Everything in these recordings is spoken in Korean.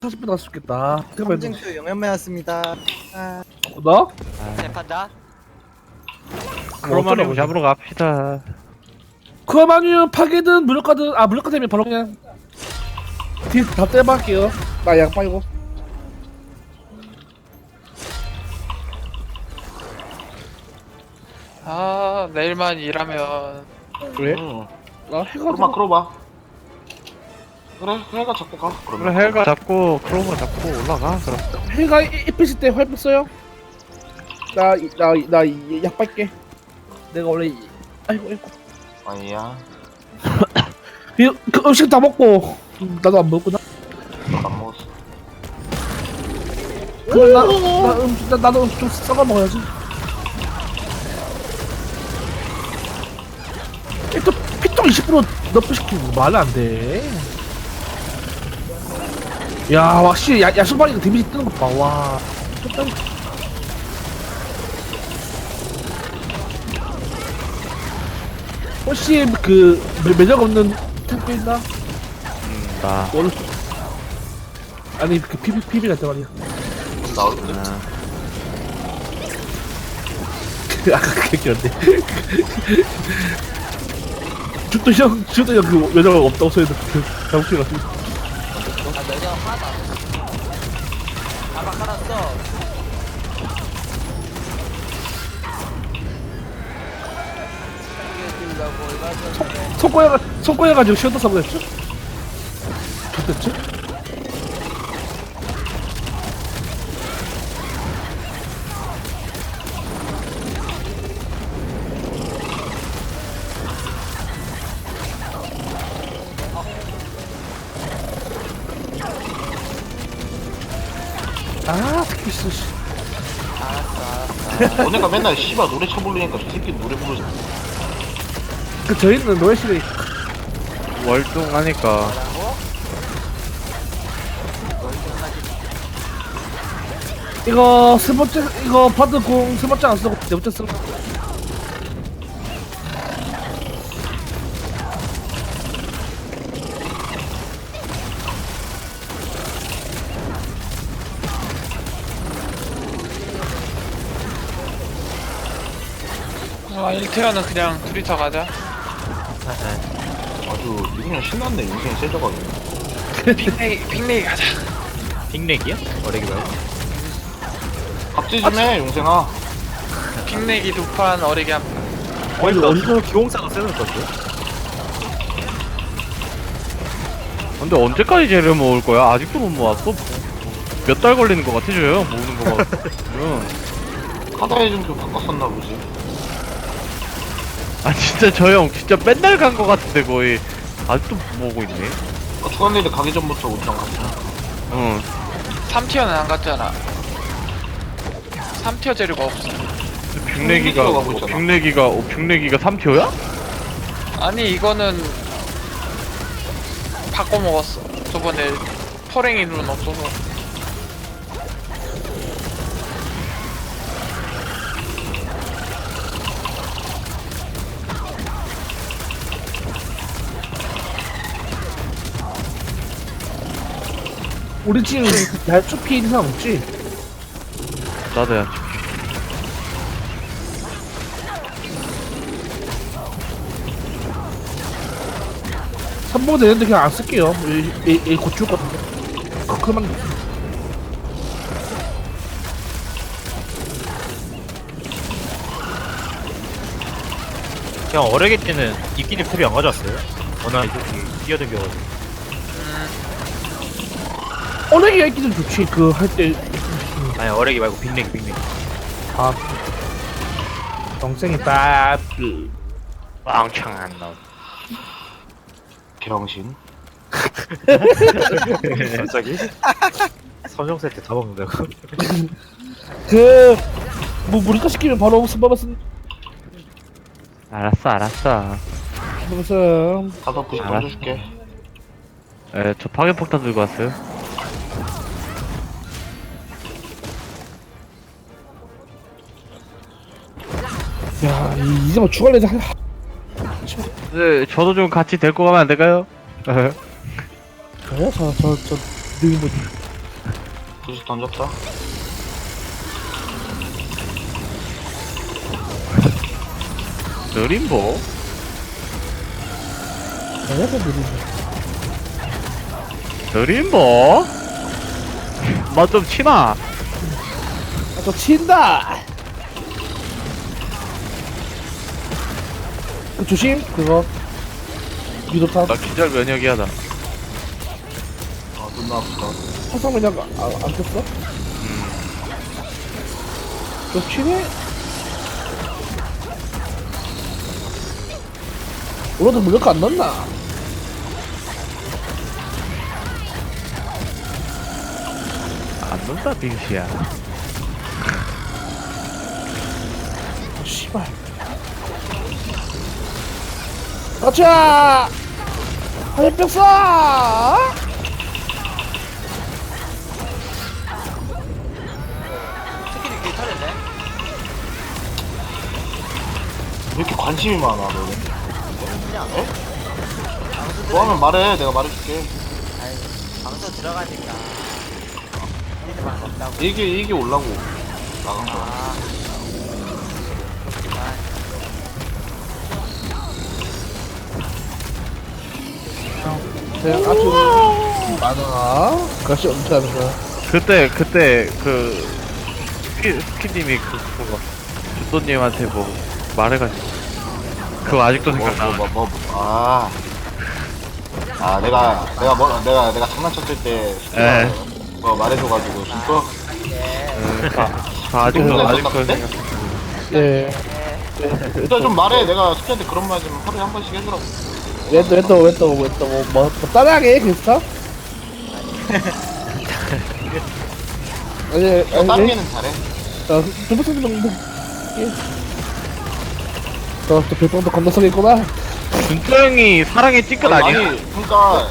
40분 나갈 수 있겠다. 검증표 영현매였습니다. 너? 재판다. 크로마늄 잡으러 갑시다. 크로마늄 파괴든 무력화든 무력화 되면 바로 그냥 다 떼볼게요. 나 양 빠이고. 내일만 일하면 그래? 응. 해가 크로마. 그래, 해가 잡고 가. 그래 그러면. 헬가 잡고 크로마 잡고 올라가. 그럼 해가 입히실 때 활 뺐어요? 나약 빨게. 내가 원래 아이고. 아니야. 그 음식 다 먹고 나도 안 먹구나. 안 먹었어. 그럼 나도 좀 썩어 먹어야지. 또 피통 20% 너프 시키고 말이 안 돼. 야, 확실히 야수발이가 데미지 뜨는 것 봐. 와. 혹시 그 매력 없는 템포 있나? 나 원래 아니 그 PB 같은 말이야. 나올 때. 아까 그 얘기였는데. 주도 형 그 매력 없다고 소리도 잘못 들어가지고. 매년 하나도 안 했어. 아까 깔았어. 손꼬여가지고 쉬었다 사고였죠? 좋댔지? 스키스 씨. 너네가 맨날 씨발 노래 쳐부르니까 저 새끼 노래 부르지. 그 저희는 노래 시간이 월등하니까. 뭐라고? 이거 세 번째 이거 바드 공세 번째 안 쓰고 네 번째 쓰고. 일태어는 그냥 둘이서 가자. 아주 이분이 신났네. 인생이 세져가지고. 빅내기 가자. 빅렉이야? 어레기 말고. 갑질 좀 해, 용생아. 빅내기 두 판, 어리기 한 판. 어디서 기공사가 쓰는 건데? 근데 언제까지 쟤를 모을 거야? 아직도 못 모았어? 몇 달 걸리는 거 같아져요 모으는 거 봐. 카다에 좀 바꿨었나 보지. 아 진짜 저 형 진짜 맨날 간 거 같은데 거의 아직도 모으고 있네. 주간일에 가기 전부터 우리랑 같이. 응. 3티어는 안 갔잖아. 3티어 재료가 없어. 빅내기가 가고 있잖아. 빅내기가 3티어야? 아니, 이거는 바꿔 먹었어. 저번에 퍼랭이 룬 없어서. 우리 지금 날초 피해 이상 없지? 나도 야. 3번 되는데 그냥 안 쓸게요. 이 고칠 것 같은데. 그만. 그냥 어레게 때는 이끼리 풀이 안 가져왔어요? 워낙 이렇게 뛰어댕겨가지고. 어레기가 있기는 좋지. 그 할 때. 아니 어레기 말고 빅렉이. 동생이 딱. 왕창 안 나오. 병신. 갑자기? 선정 세트 다 먹는다고? 무리가 시키면 바로 스바바스. 알았어. 무슨. 가서 부시 알았어. 던져줄게. 저 파괴폭탄 들고 왔어요. 야, 이제 뭐 추가레드 한. 네, 저도 좀 같이 데리고 가면 안 될까요? 그래? 저, 느린 거지. 부시 던졌다. 느림보? 내가 느리네. 느림보? 맛좀 치나? 아, 저 친다. 그 조심 그거. 유도탄. 나 기절 면역이하다. 아, 존나 아프다. 화상 그냥 안 켰어? 저 치네? 오로드 무력 안 넣나? 안 논다, 빙시야. 아, 씨발. 가자! 화염병 쏴! 왜 이렇게 관심이 많아, 너는? 에? 뭐 하면 말해, 내가 말해줄게. 방송 들어가니까 이들밖에 없다고. 이게 올라고 나간 거야. 아, 그냥 아주 많아. 가시 엄청 하는 거야. 그때, 스키님이 그거, 주도님한테 뭐, 말해가지고. 그거 아직도 생각나. 내가 장난쳤을 때 에. 뭐 말해줘가지고 진짜 아직도 생각나. 예. 일단 좀 말해. 내가 스키한테 그런 말 좀 하루에 한 번씩 해주라고. 뭐 따라하게 그랬어? 아니, 다른 애는 잘해. 두부터 정도. 또 별풍도 건너서겠구나. 준토 형이 사랑의 찌끝 아니야? 아니 그러니까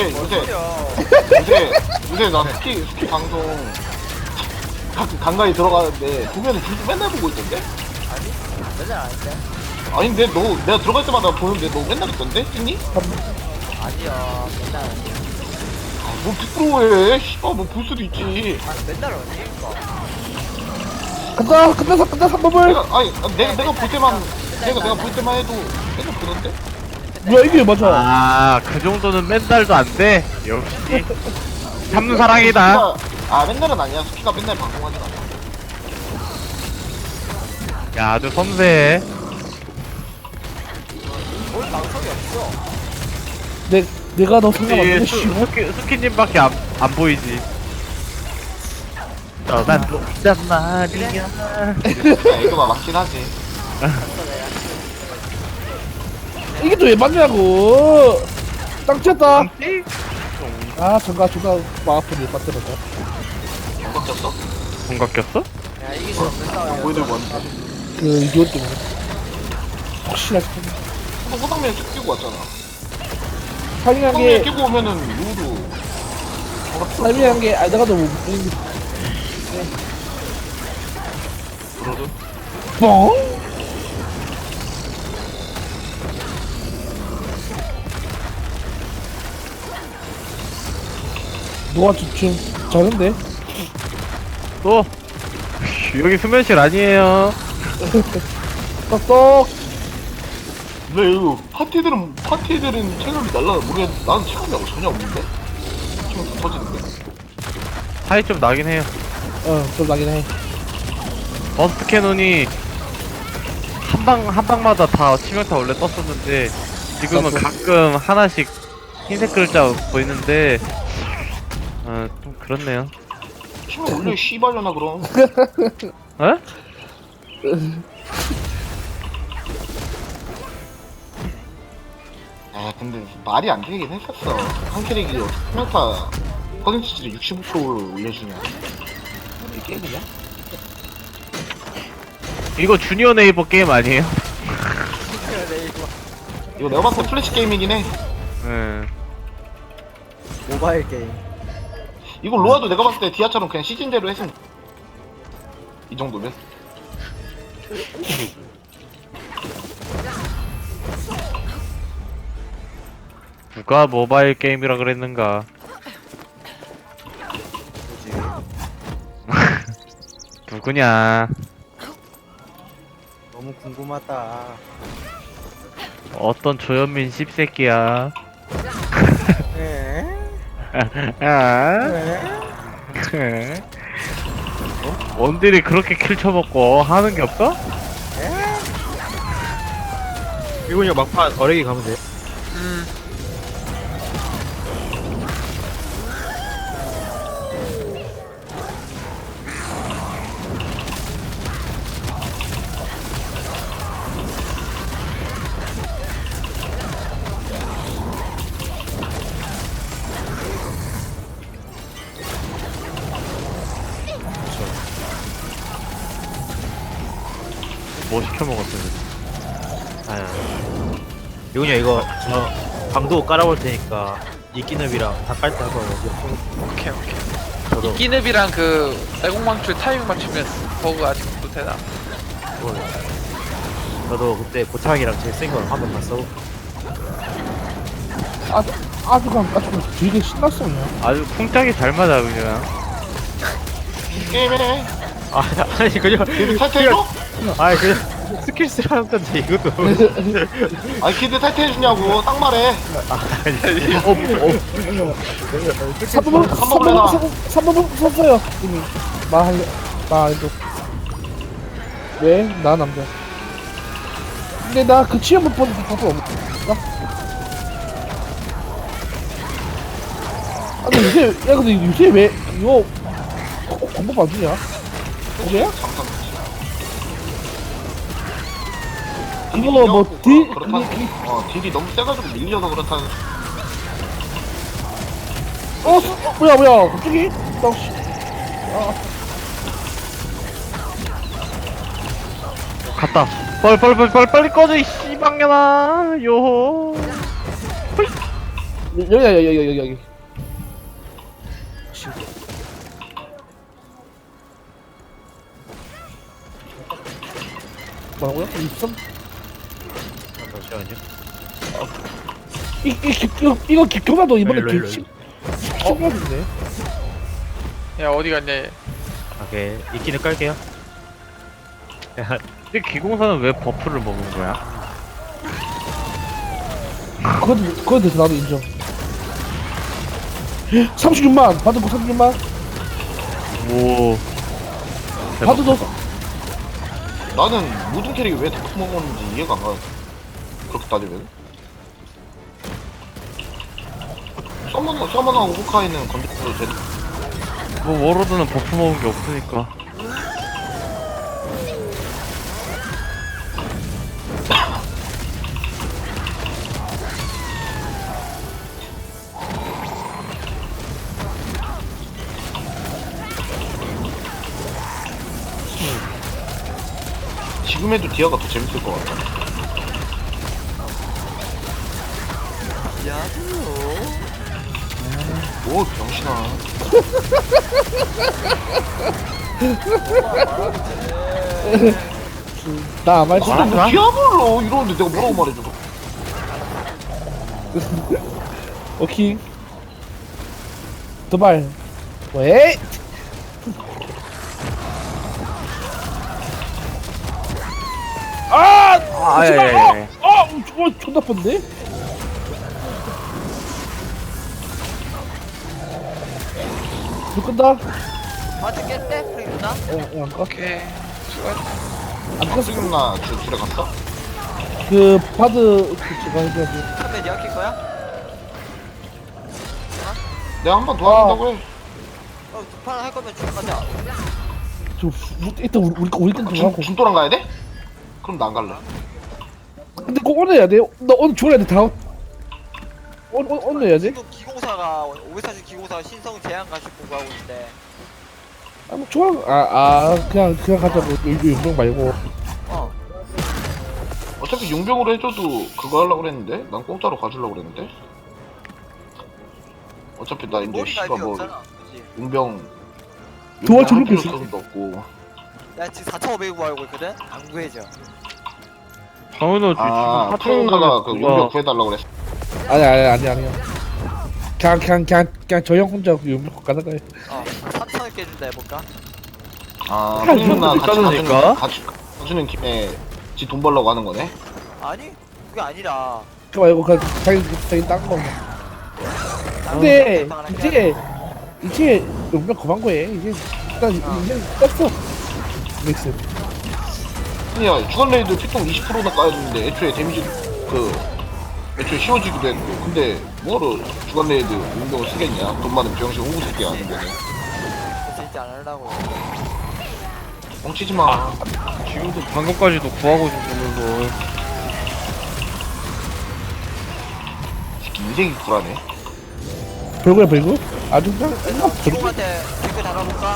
요새 나 스키 방송 간간히 들어가는데 보면은 진짜 맨날 보고 있던데? 맨날 안 했대? 아니 근데 내가 들어갈 때마다 보는데 너 맨날 있던데? 찐니? 아니요, 맨날. 뭐 부끄러워해. 씨발 뭐 볼 수도 있지. 아, 맨날 언제일까? 끝났어, 3법을! 내가 볼 때만 내가 볼 때만 해도 맨날 보던데? 뭐야, 이게 맞아. 아, 그 정도는 맨날도 안 돼. 역시. 참는 사랑이다. 맨날은 아니야. 스키가 맨날 방송하진 않아. 야, 아주 섬세해. 뭘 방송이 없어. 내가 너 생각 안 이 해, 씨발. 스키님밖에 안 보이지. 난 녹단 말이야. 야, 이거 맞긴 하지. 이게 또 왜 맞냐고! 땅 쳤다! 아, 존나 마음 아프네, 빠뜨려서. 뭔가 꼈어? 공각 꼈어? 야, 이길 수 없는 싸워야 보이들 뭔데? 그, 이디오 때문에. 혹시나 싶어. 호당면 쭉 끼고 왔잖아. 살인한 호당면 게, 끼고 오면은 누구도 살인한 게, 내가 너무, 그러든. 뻥? 너가 좀 잘한데? 또 여기 수면실 아니에요. 똑똑! 근데 이거 파티들은 체감이 날라 모르겠는데 나는 체감이 전혀 없는데? 지금 다 터지는데? 차이 좀 나긴 해요. 좀 나긴 해. 버스트 캐논이 한 방마다 다 치명타 원래 떴었는데 지금은 가끔 하나씩 흰색 글자 보이는데 좀 그렇네요. 치면 올려 씨발려나 그럼. 에? 근데 말이 안 되긴 했었어. 한 캐릭이 평타 퍼센티지를 65%를 올려주냐. 이게 게임이냐? 이거 주니어 네이버 게임 아니에요? 이거 내가 봤을 때 플래시 게임이긴 해. 예. 모바일 게임. 이거 로아도 내가 봤을 때 디아처럼 그냥 시즌제로 했으면 이 정도면. 누가 모바일 게임이라 그랬는가? 누구냐? 너무 궁금하다. 어떤 조현민 씹새끼야. 에? 아? 에? 원딜이 그렇게 킬 쳐먹고 하는 게 없어? 이거 그냥 막판 어레기 가면 돼. 뭐 시켜 먹었어요? 아유. 이거 그냥 이거 저 방도 깔아볼 테니까 이끼늪이랑 다 깔 때 한번 오케이 오케이. 저도 이끼늪이랑 그 애공망출 타이밍 맞추면 버그 아직도 되나? 그걸 저도 그때 고창이랑 제일 센 거 한 번 봤어. 아주 되게 신났어 그냥. 아주 쿵짝이 잘 맞아 그냥. 게임해. 아니 그냥 키드 탈퇴해줘? 아니 그냥 스킬 쓰라는 건데 이것도 아니 키드 탈퇴해주냐고 딱 말해. 3번 썼어요 이미. 말해도 왜? 나 남자. 근데 나 그 취업 못 보는 것도 없나? 아 근데 요새 왜 이거 공법 안 주냐? 그게? 그거 뭐 딜? 그렇다. 딜이 너무 세가지고 밀려서 그렇다는. 뭐야 갑자기? 나 씨. 갔다. 빨리 꺼져 이 씨방년아. 요호. 여기. 뭐라고요? 입성? 잠시만요. 이거 기켜봐도 이번에 일로. 10층이네. 야 어디 갔냐 얘. 오케이 이끼는 깔게요. 근데 기공사는 왜 버프를 먹은 거야? 그건 돼서 나도 인정. 36만! 받은 거 36만? 오. 받은 거 나는 모든 캐릭이 왜 더 먹었는지 이해가 안 가. 그렇게 따지면. 서머너하고 호카이는 건드려도 돼. 뭐 워로드는 버프 먹은 게 없으니까. 지금 해도 디아가 더 재밌을 것 같아. 오 병신아. 나 아무 말도 근데 안 뭐 해. 디아블로 이러는데 내가 뭐라고 말해줘. 오케이. 도발. 왜? 아예. 저거 존나 뻔데? 불 끈다? 맞겠대? 프리구나? 안 꺼? 오케이. 수고했다. 안 껐어. 지금 나 줄에 갔어? 그, 바드, 제가 해줘야지. 처음에 니가 킬 거야? 내가 한 번 도와준다고 해. 두판 할 거면 주문 가자. 일단 우리 끈 들어가고. 중도랑 가야 돼? 그럼 나 안 갈래. 근데 꼭 오늘 해야 돼. 나 오늘 줘야 돼, 다음. 오늘 해야 돼? 지금 기공사가 540 기공사 신성 제한 가식 공부하고 있는데 아, 뭐, 좋아. 그냥 가자고. 용병 말고. 어차피 용병으로 해줘도 그거 하려고 그랬는데? 난 공짜로 가주려고 그랬는데? 어차피 나 이제 머리가 씨가 idea 뭐 없잖아. 그치? 용병 도와 주는 할 게 필요성도 없고. 나 지금 4,500 구하고 있거든? 안 구해져. 정은호 지금 아, 사촌 푸른가가 그 용병 구해달라고 그랬어. 아니야. 그냥 저 형 혼자 용병 가는 거야. 3,000을 깨준다 해볼까? 아, 아, 형님나 이것도 같이 비싸다니까? 가주는 김에 지 돈 벌려고 하는 거네? 아니 그게 아니라 그거 말고 그 자기 딴 거. 근데 이제 용병 그만 거해. 이제 일단 이제 떴어. 믹스. 아니야, 주간레이드 피통 20%나 까였는데 애초에 데미지 애초에 씌워지기도 했고. 근데 뭐로 주간레이드 용병을 쓰겠냐? 돈 많은 병신 홍구 새끼 아는 거네. 그래서 이제 안 하려고. 뻥치지 마. 지금도 방금까지도 구하고 싶으면서 새끼 인생이 굴하네. 별거야 별거? 아주 그냥 기공한테 댓글 달아볼까?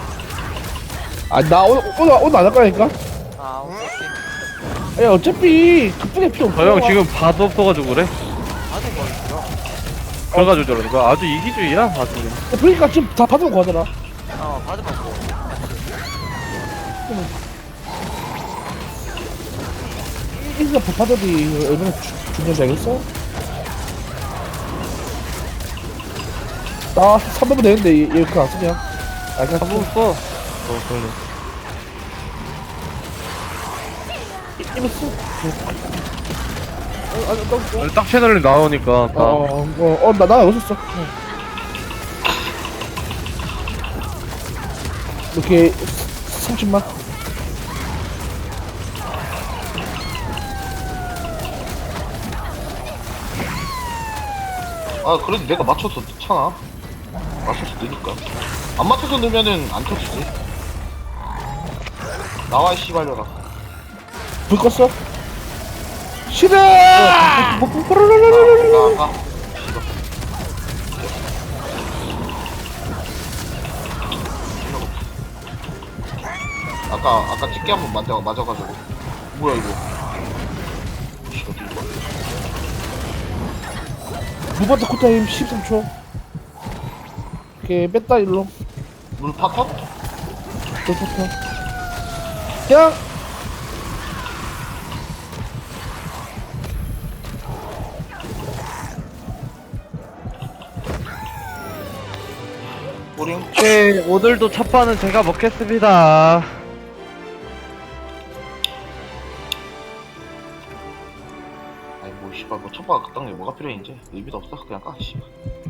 아나 오늘 안 할 거니까. 아 오케이. 야 어차피 급하게 필요 없어. 저 형 지금 바도 없어가지고 그래. 아직 뭐 있어? 그래가지고 저러니까 아주 이기주의야 아주 그냥. 그러니까 지금 다 받은 거 하더라. 받으면 뭐. 이거 받아도 얼마나 중요한지 알겠어? 나 300원 되는데 얘 그거 안 쓰냐? 아 그냥 한번 써. 그래. 이거 써. 아니 아니, 딱 채널에 나오니까 다. 나 여기서 써. 이렇게 30만. 아, 그래도 내가 맞춰서 넣잖아. 맞춰서 넣으니까. 안 맞춰서 넣으면은 안 터지지. 나와, 이 씨발려라. 불 껐어? 싫어! 가. 아까 찍게 한번 맞아가지고. 뭐야, 이거. 씨, 어디 이거. 무반대 쿨타임 13초. 이렇게 뺐다 일로. 물 파터? 뺐부터. 그냥 우링? 네, 오늘도 첫 판은 제가 먹겠습니다. 아이, 뭐, 씨발, 뭐, 첫바가 그딴 게 뭐가 필요해, 이제. 의미도 없어. 그냥 까, 씨발.